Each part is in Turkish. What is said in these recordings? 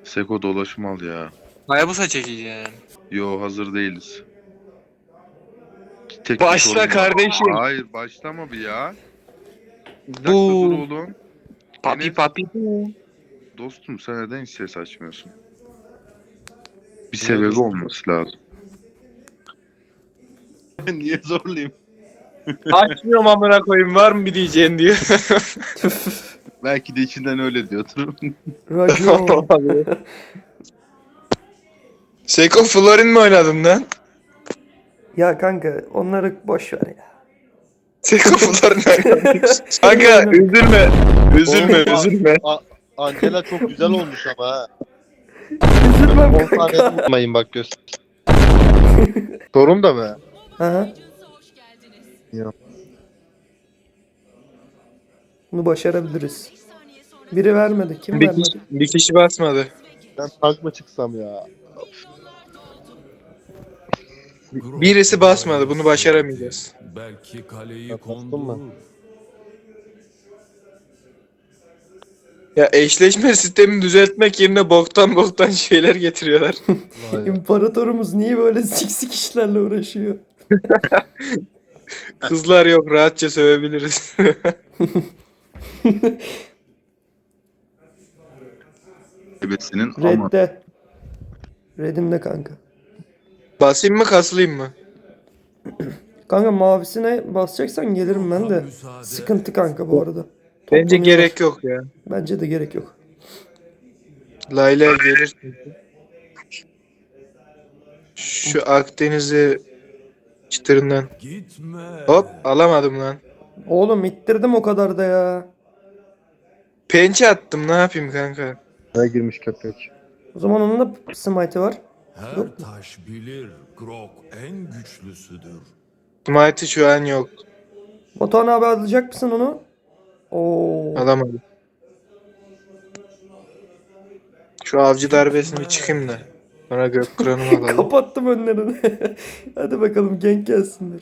Seko dolaşım al ya. Hayabusa çekeceğim. Yo hazır değiliz. Tek bir Başla sorun var. kardeşim. Hayır başlama bir ya. Bir dakika dur Bu oğlum. papi Enes, papi bu. dostum sen neden hiç ses açmıyorsun? Bir Niye sebebi dostum? olması lazım. Niye zorlayayım? Açmıyorum amına koyayım, var mı bir diyeceğin diyor. Belki de içinden öyle diyordur. Racon. Olabilir. Seko Florin mi oynadın lan? Ya kanka onları boş ver ya. Seko Florin oynadın. Kanka üzülme. Üzülme üzülme. Angela çok güzel olmuş ama ha. Üzülmem 10 tane kanka. tutmayın bak göster. Sorun da mı? Aha. Yok. Bunu başarabiliriz. Biri vermedi. Kim Bir vermedi? kişi, bir kişi basmadı. Ben tank mı çıksam ya? Birisi basmadı. Bunu başaramayacağız. Belki kaleyi Ya, bastın kondu. mı? Ya eşleşme sistemini düzeltmek yerine boktan şeyler getiriyorlar. Vay. İmparatorumuz niye böyle siksik işlerle uğraşıyor? Kızlar yok, rahatça sövebiliriz. Ebesinin ama. Red'de. Red'imde kanka. Basayım mı kasılayım mı? Kanka mavisine basacaksan gelirim ben de. Sıkıntı kanka bu arada. Bence Toplanıyorlar. gerek yok ya. Bence de gerek yok. Layla gelir. Şu Akdeniz'i çıtırından. Gitme. Hop, alamadım lan. Oğlum ittirdim o kadar da ya. Pençe attım, ne yapayım kanka? Ne girmiş köpek? O zaman onun da smite'ı var. Her taş bilir Grok en güçlüsüdür. Smite'ı şu an yok. Batuhan abi alacak mısın onu? Oo. Alamadım. Şu avcı darbesini bir çıkayım da. Sonra gök kıranımı alalım. Kapattım önlerini. Hadi bakalım genk gelsinler.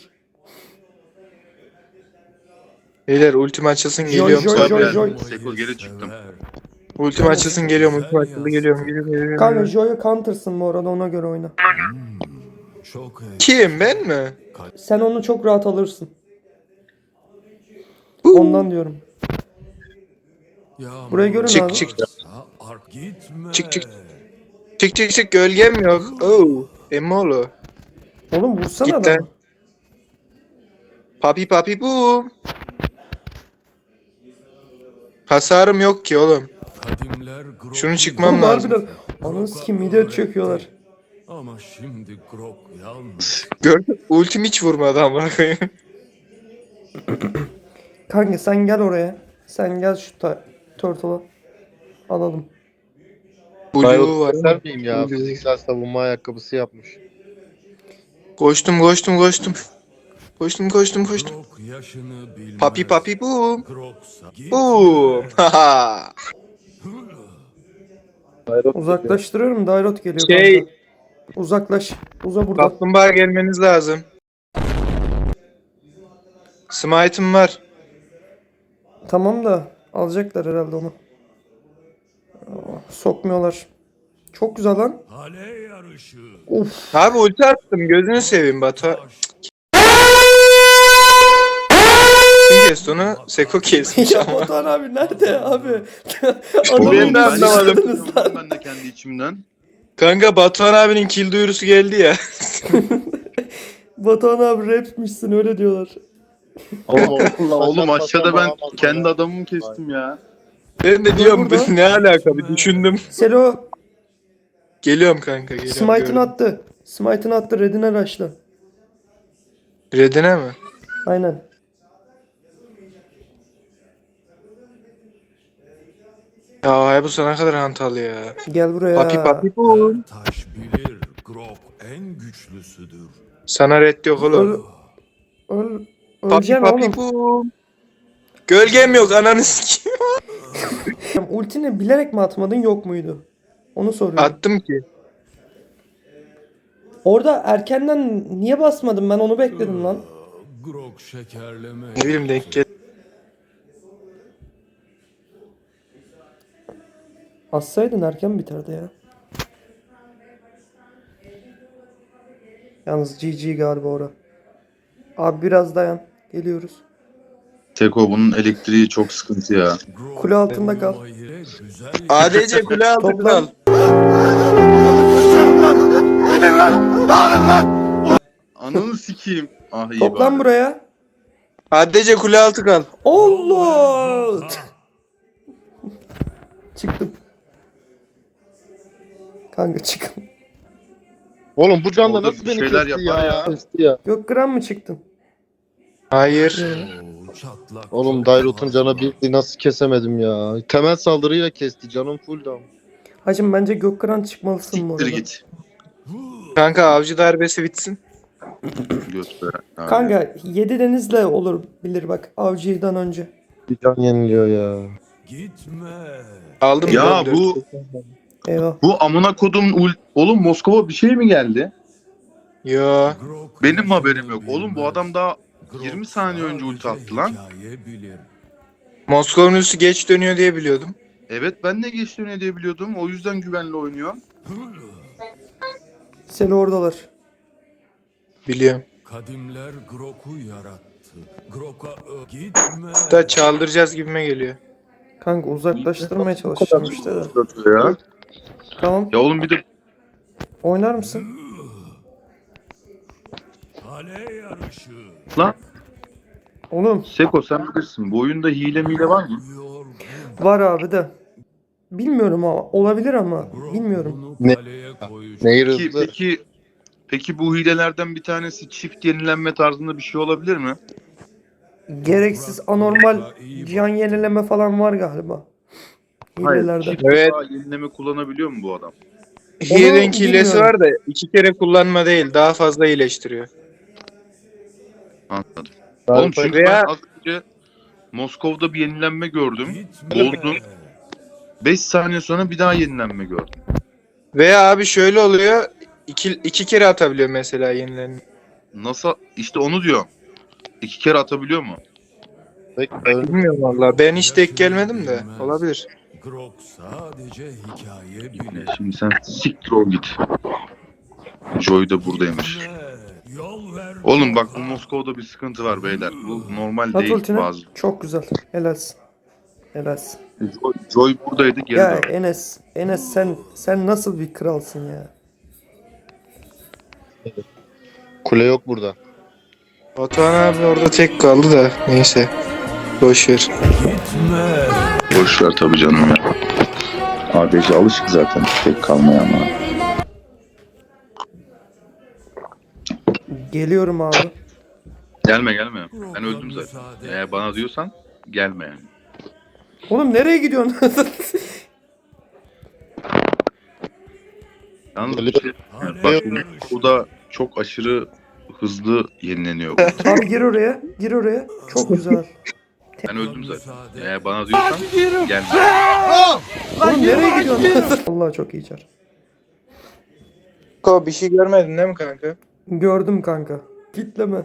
Beyler ultim açılsın Joy, geliyorum. joy, Sabri. joy, joy. Seko geri çıktım. Ultim açılsın geliyorum. Ultim açıldı geliyorum. Kanka Joy'a counter'sın bu arada, ona göre oyna. Çok Kim, ben mi? Sen onu çok rahat alırsın. Ondan diyorum. Buraya görün Çık abi. çık. Gitme. Çık gölgem yok. Oo. Emmoğlu. Oğlum vursana Git adamı. lan. Papi boom. Hasarım yok ki oğlum. Kadimler Grok Şunu çıkmam Oğlum lazım. harbiden. Ananı sikeyim mide çöküyorlar. Ama şimdi Grok yalnız. Gördün, ultim hiç vurmadı ama. Kanka sen gel oraya. Sen gel şu turtle'a. Alalım. Blue var. Göster miyim ya? Fiziksel savunma ayakkabısı yapmış. Koştum. Koştum. Grok yaşını bilmez. Papi boom. Groksa Boom. Haha. Uzaklaştırıyorum. Dairot geliyor Şey- kanka. Uzaklaş. Uza buradan. Kaplumbağa gelmeniz lazım. Smite'ım var. Tamam da alacaklar herhalde onu. Sokmuyorlar. Çok güzel lan. Kale yarışı. Of. Abi ulti attım, gözünü seveyim Batu. Kim kesti onu? Seko kesmiş Ya ama. Batuhan abi nerede abi? Oğlum, Adamı ben de anlamadım. düşürdünüz lan. Ben de kendi içimden. Kanka Batuhan abinin kill duyurusu geldi ya. Batuhan abi rapmişsin öyle diyorlar. Oğlum aşağıda ben kendi adamımı kestim ya. Ben de diyorum burada. ne alaka bir düşündüm. Selo Geliyorum kanka geliyorum. smite'ını gördüm. attı. Smite'ını attı. Red'ine rush'la. Redine mi? Aynen. Ya bu sana kadar hantal ya. Gel buraya. Papi bu. Taş bilir Grok en güçlüsüdür. Sana red yok oğlum. Öl. Papi Öleceksin oğlum. bu. Gölgem yok ananı sikeyim. Ultini bilerek mi atmadın yok muydu? Onu soruyorum. Attım ki. Orada erkenden niye basmadın, ben onu bekledim lan. Grok şekerleme. Ne bileyim denk gel. Assaydın erken biterdi ya. Yalnız GG galiba ora. Abi biraz dayan. Geliyoruz. Seko bunun elektriği çok sıkıntı ya. Grok Kule altında kal. olmayı güzel ADC kule altı Toplan. kral. Ananı sikeyim. Ah iyi Toplan bari. buraya. ADC kule altı kal. Allah! Çıktım. Kanka çıkın. Oğlum bu canla Orada nasıl bir beni şeyler kesti yapar ya? ya. Kesti ya. Gökgram mı çıktın? Hayır. çatlak. Oğlum Dairot'un canı bir nasıl kesemedim ya. Temel saldırıyla kesti. Canım full down. Hacım bence Gökgram çıkmalısın bu Siktir arada. git. Kanka avcı darbesi bitsin. Göster. Abi. Kanka 7 denizle olur bilir bak avcıdan önce. Bir can yeniliyor ya. Gitme. Aldım. Ya lan, bu- dört. Eyvah. Bu amına kodum oğlum Moskova bir şey mi geldi? Yo. Grok Benim haberim yok. bilmez. Oğlum bu adam daha Grok 20 saniye önce ulti sadece attı lan. hikaye bilir. Moskova'nın üstü geç dönüyor diye biliyordum. Evet ben de geçti ne diye biliyordum. O yüzden güvenli oynuyor. Seni oradalar. Biliyorum. Kadimler Grok'u yarattı. Grok'a gitme. Da çaldıracağız gibime geliyor. Kanka uzaklaştırmaya çalışacağım işte de. Ya. Tamam. Ya oğlum bir de Oynar mısın? Kale yarışı. lan Oğlum Seko sen bilirsin. Bu oyunda hile mile var mı? Yorgun. var abi de. Bilmiyorum ama olabilir ama Grok bilmiyorum. bunu Ne- kaleye koyacak. Nehir Peki, hızlı. peki bu hilelerden bir tanesi çift yenilenme tarzında bir şey olabilir mi? Gereksiz anormal can yenileme falan var galiba. Hilelerde. çift Evet. defa yenileme kullanabiliyor mu bu adam? Hiye'nin hilesi bilmiyorum. var da 2 kere kullanma değil. Daha fazla iyileştiriyor. Anladım. Oğlum çünkü Veya- ben az önce Moskova'da bir yenilenme gördüm. Gitme. Bozdum. 5 saniye sonra bir daha yenilenme gördüm. Veya abi şöyle oluyor. 2 kere atabiliyor mesela yenilerini. Nasıl? İşte onu diyorum. 2 kere atabiliyor mu? Bilmiyorum valla. Ben hiç denk gelmedim de. Olabilir. Grok sadece hikaye bilir. Şimdi sen siktir ol git. Joy da buradaymış. Gitme. Yol ver. Oğlum bak bu Moskova'da bir sıkıntı var beyler. Bu normal At değil ultini. bazı. Çok güzel. Helalsin. Helalsin. Joy buradaydı geri Ya dön. Enes. Enes sen nasıl bir kralsın ya? Kule yok burada. Batuhan abi orada tek kaldı da. Neyse. Boşver. Gitme. Boş ver tabii canım ya. ADC alışık zaten tek kalmaya ama. Geliyorum abi. Gelme. Ben öldüm zaten. Eğer bana diyorsan gelme yani. Oğlum nereye gidiyorsun? Yalnız Geliyor. bir şey, bak bu da çok aşırı hızlı yenileniyor. Abi gir oraya. Gir oraya. Çok güzel. Ben öldüm zaten. Eğer bana diyorsan gelme. Oğlum nereye gidiyorsun? Allah çok iyi çar. Ko bir şey görmedin değil mi kanka? Gördüm kanka. Kitleme.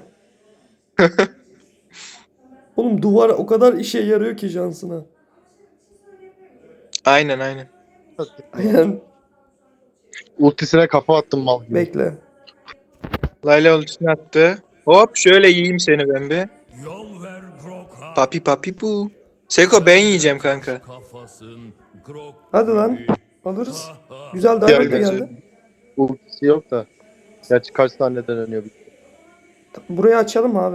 Oğlum duvar o kadar işe yarıyor ki Johnson'a. Aynen aynen. Aynen. Ultisine kafa attım mal gibi. Bekle. Layla ultisini attı. Hop şöyle yiyeyim seni ben bir. Yol ver Grok'a. Papi papi bu. Seko ben yiyeceğim kanka. Kafasın Grok. Hadi lan. Alırız. Güzel davet de geldi. Ultisi yok da. Gerçi kaç saniyeden dönüyor. Burayı açalım abi.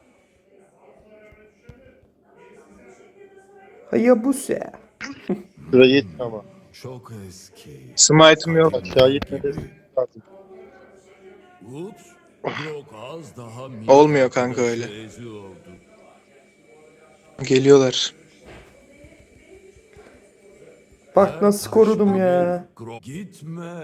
Hayabusa. Şuraya git ama. Çok eski. Smite'ım yok. Aşağı gitmedi. Lazım. Ups. Grok az daha Olmuyor kanka öyle. eziyordu. Geliyorlar. Bak nasıl korudum ya. Grok gitme.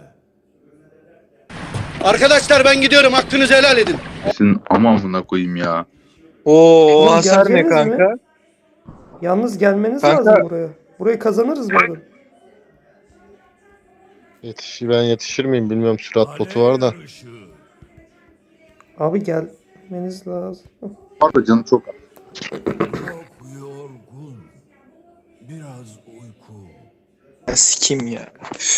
Arkadaşlar ben gidiyorum. Hakkınızı helal edin. Senin amamına koyayım ya. Oo Oğlum, hasar ne geleceğiniz mi? kanka? Yalnız gelmeniz Kanka- lazım buraya. Burayı kazanırız bu arada. Ben yetişir miyim bilmiyorum. Sürat botu var da. Kale yarışı. Abi gelmeniz lazım. Pardon canım çok Grok yorgun. Biraz uyku. sikim ya.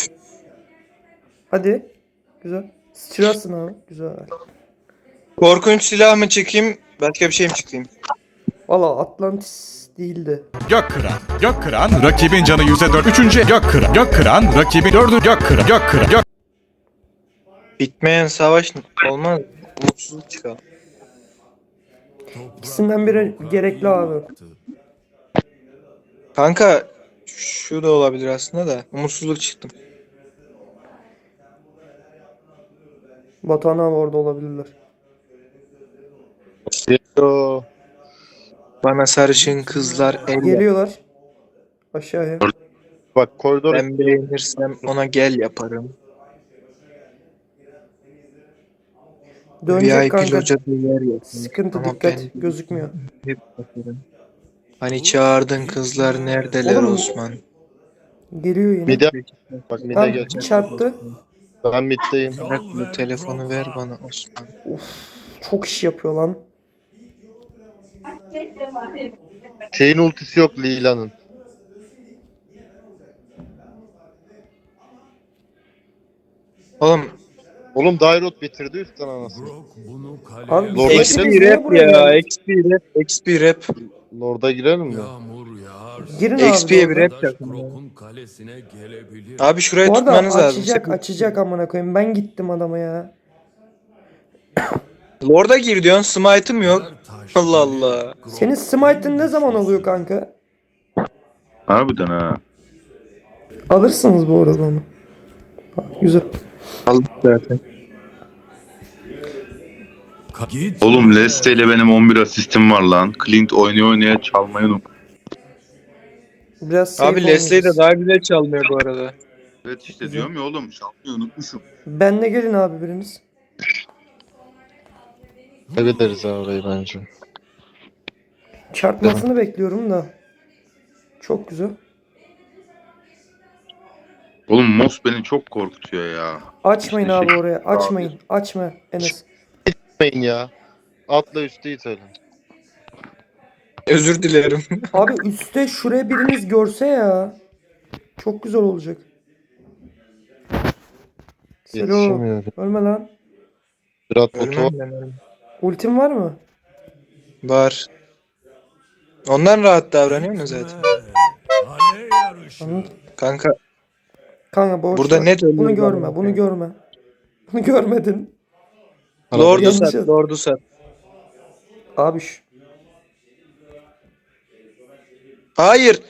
Hadi. Güzel. Sıçrarsın abi. Güzel. Korkunç silah mı çıkayım? Başka bir şey mi çıkayım? Valla Atlantis değildi. Gökkıran, rakibin canı %4. Üçüncü Gökkıran, rakibin 4'ü Gökkıran. Bitmeyen savaş olmaz. Umutsuzluk çıkalım. İkisinden biri gerekli abi. Kanka şu da olabilir aslında da. Umutsuzluk çıktım. Batuhan abi orada olabilirler. Yo. Bana sarışın kızlar el yap. Geliyorlar. Aşağıya. Bak koridor Ben beğenirsem ona gel yaparım. Dönecek VIP kanka. locada yer yok. Sıkıntı, Ama dikkat. ben Gözükmüyor. hep bakarım. Hani çağırdın kızlar neredeler Oğlum, Osman? Geliyor yine. mide bak mide Tam gel. çarptı. Ben middeyim. Bırak bu telefonu ver bana Osman. Çok iş yapıyor lan. Şeyin ultisi yok Lila'nın. Oğlum Oğlum Dairot bitirdi üstten anasını. Grok bunu kaleye Abi Lord'a XP XP niye rap buraya ya, geldi? XP rap, XP rap. Lord'a girelim mi? yağmur yağar. Girin abi. XP'ye bir doğru. rap Arkadaş çakın. Grok'un kalesine gelebilir. Abi şurayı Bu arada tutmanız lazım. açacak Sakın. açacak amına koyayım. Ben gittim adama ya. Lord'a gir diyorsun, smite'ım yok. Her taş Allah bilir, Allah. Grok Senin smite'ın ne zaman oluyor kanka? Harbiden ha. Alırsınız bu arada onu. Güzel. Aldık zaten. Git. Oğlum Leste ile benim 11 asistim var lan. Clint oynaya çalmayı unut. Biraz safe Abi Leslie'yi de oynayacağız. daha güzel çalmıyor bu arada. Evet işte diyorum ya oğlum çalmayı unutmuşum. Benle gelin abi biriniz. Kaybederiz ha orayı bence. Çarpmasını bekliyorum da. Çok güzel. Oğlum Moss beni çok korkutuyor ya. Açmayın İşte abi şey- oraya. Açmayın. Açma Enes. Gitmeyin ya. Atla üstü itelim. Özür dilerim. Abi üstte şuraya biriniz görse ya. Çok güzel olacak. Selo. Yetişemiyorum. Ölme lan. Ziraat botu Ölmem ben ölmem. Ultim var mı? Var. Ondan rahat davranıyor mu zaten? Kale yarışı. Kanka Kanka boş burada ver. net ölüyor. Bunu görme. Bunu görme. Bunu görmedin. Lord'u Yanlış sat, yaz- Lord'u sat. Abi Hayır.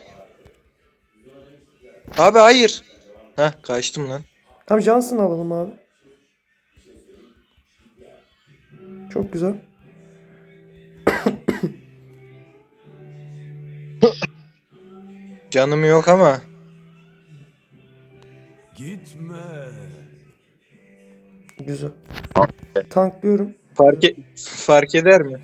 Abi hayır. Heh kaçtım lan. Tam Johnson alalım abi. Çok güzel. Canım yok ama. Gitme. Güzel. Tanklıyorum. Fark eder mi?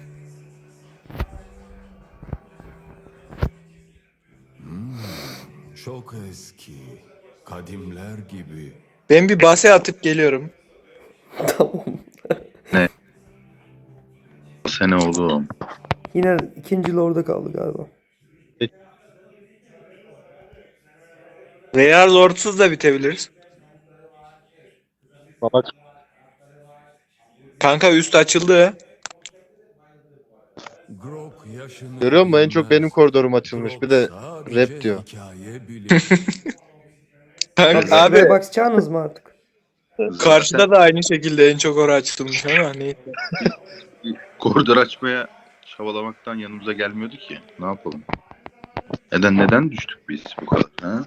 Çok eski. Kadimler gibi. Ben bir base atıp geliyorum. Tamam. Sene oğlum. Yine ikinci lorda kaldı galiba. Veya Lord'suz da bitebiliriz. Bak Kanka üst açıldı. Grok yaşını görüyor musun? En çok bilmez. benim koridorum açılmış. Bir de Grok sadece rap diyor. hikaye bilir. Kanka, Abi abi bakacağınız mı artık? karşıda da aynı şekilde en çok orası açılmış ama neyse. Koridor açmaya çabalamaktan yanımıza gelmiyordu ki. Ne yapalım? Neden düştük biz bu kadar? Ha?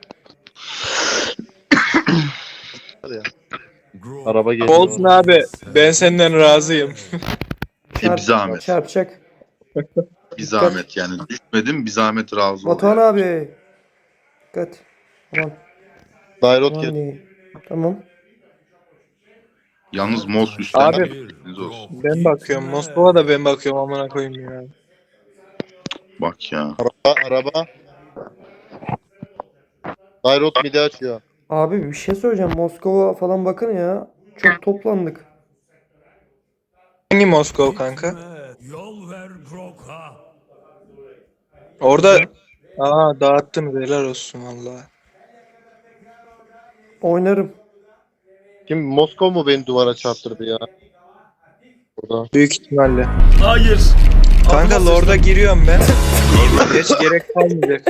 Grok Araba geliyor. Olsun abi. Ben senden razıyım. Bir zahmet. Çarpacak. Bir zahmet yani. Düşmedim bir zahmet razı ol. Batuhan yani. abi. Dikkat. Tamam. Dairot Tamam, gel. iyi. Tamam. Yalnız Moss üstten Abi. haberiniz olsun. Ben bakıyorum. Moskova da ben bakıyorum amına koyayım ya. Bak ya. Araba. Dairot midi açıyor. Abi bir şey söyleyeceğim. Moskova falan bakın ya. Çok toplandık. Hangi Moskova kanka? Yol ver Grok'a. Orada dağıttın helal olsun valla. Oynarım. Kim Moskova mu beni duvara çarptırdı ya? Burada. Büyük ihtimalle. Hayır. Kanka Adıma Lord'a sıçtım. giriyorum ben. Hiç gerek kalmayacak.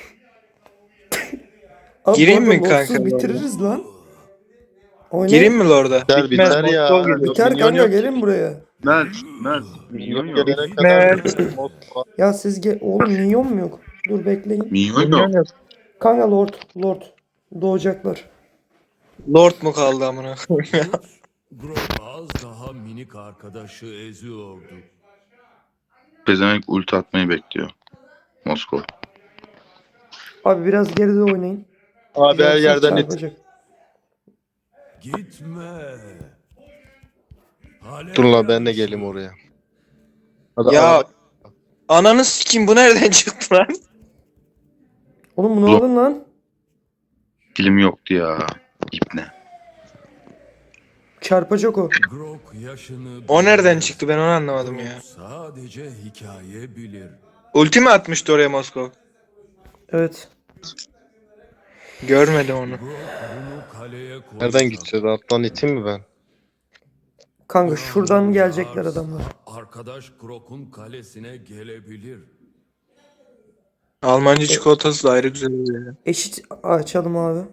Abi, Gireyim bu mi arada kanka Lord'suz bitiririz lan. Oynayın. Gireyim mi Lord'a? Biter biter ya. Moskova geliyor. Biter Minyon kanka, yok. gelin buraya. Mert. Minyon yok. Gelene kadar Moskova. Ya siz oğlum minyon mu yok? Dur bekleyin. Minyon yok. Kanka Lord. Doğacaklar. Lord mu kaldı amına koyayım ya? Grok az daha minik arkadaşı eziyordu. Pezevenk ulti atmayı bekliyor. Moskova. Abi biraz geride oynayın. Abi her Yoksa yerden it. çarpacak. Gitme. Dur lan ben de geleyim oraya. Hadi Ya araba- ananı sikeyim, bu nereden çıktı lan? Oğlum bunu alın lan. Film yoktu ya. İpne. Çarpacak o. Grok yaşını O nereden bilir. çıktı, ben onu anlamadım ya. Grok sadece hikaye bilir. Ulti mi atmıştı oraya Moskova? Evet. Görmedim onu. Grok bunu kaleye koysa, Nereden gideceğiz? Alttan iteyim mi ben? Kanka şuradan gelecekler adamlar. Arkadaş Grok'un kalesine gelebilir. Almancı çikolatası da ayrı güzel oluyor ya. Eşit açalım abi.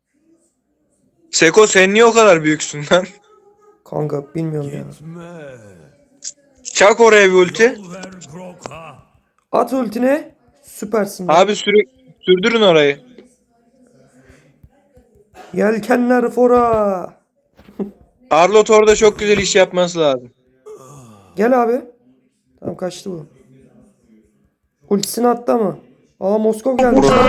Seko sen niye o kadar büyüksün lan? Kanka bilmiyorum ya. Gitme. Çak oraya bir ulti. Yol ver Grok'a. At ultine. Süpersin. Abi sürdürün orayı. Yelkenler fora. Arlot orada çok güzel iş yapması lazım. Gel abi. Tamam kaçtı bu. Ultisini attı ama. Aa Moskov gelmiş lan.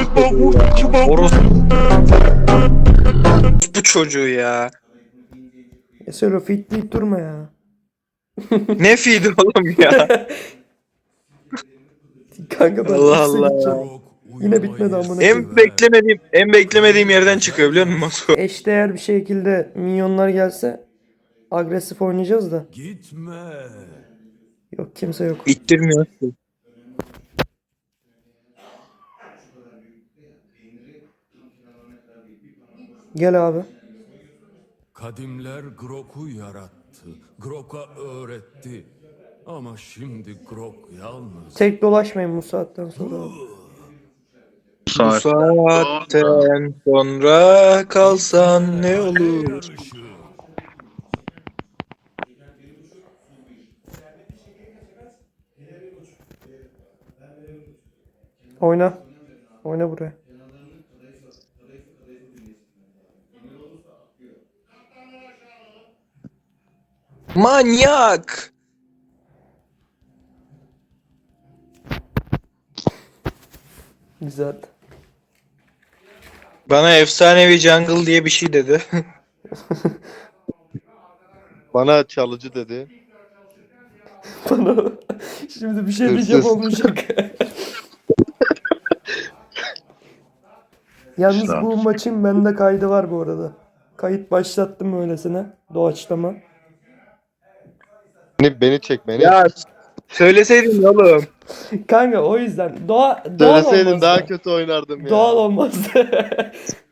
Bu çocuğu ya. Söyle fitleyip durma ya. Ne feed'i oğlum ya. Kanka ben Allah ultisine Allah. gideceğim. Grok Yine bitmedi uyumayı amına sever. En beklemediğim yerden çıkıyor biliyor musun Moskova? Eşdeğer bir şekilde minyonlar gelse agresif oynayacağız da. Gitme. Yok kimse yok. İttirmiyor. Gel abi. Kadimler Grok'u yarattı. Grok'a öğretti. Ama şimdi Grok yalnız. Tek dolaşmayın bu saatten sonra. Bu Bu saat. saatten sonra kalsan ne olur? Yarışı. Oyna. Oyna buraya. Manyak! Güzel. Bana efsanevi jungle diye bir şey dedi. Bana çalıcı dedi. Bana şimdi bir şey Hırsız. diyeceğim olmayacak. Yalnız İşte bu abi. maçın bende kaydı var bu arada. Kayıt başlattım öylesine. Doğaçlama. Beni çek beni. Ya söyleseydin oğlum. Kanka o yüzden doğal Söyleseydin olmazdı. daha kötü oynardım ya. Doğal olmazdı.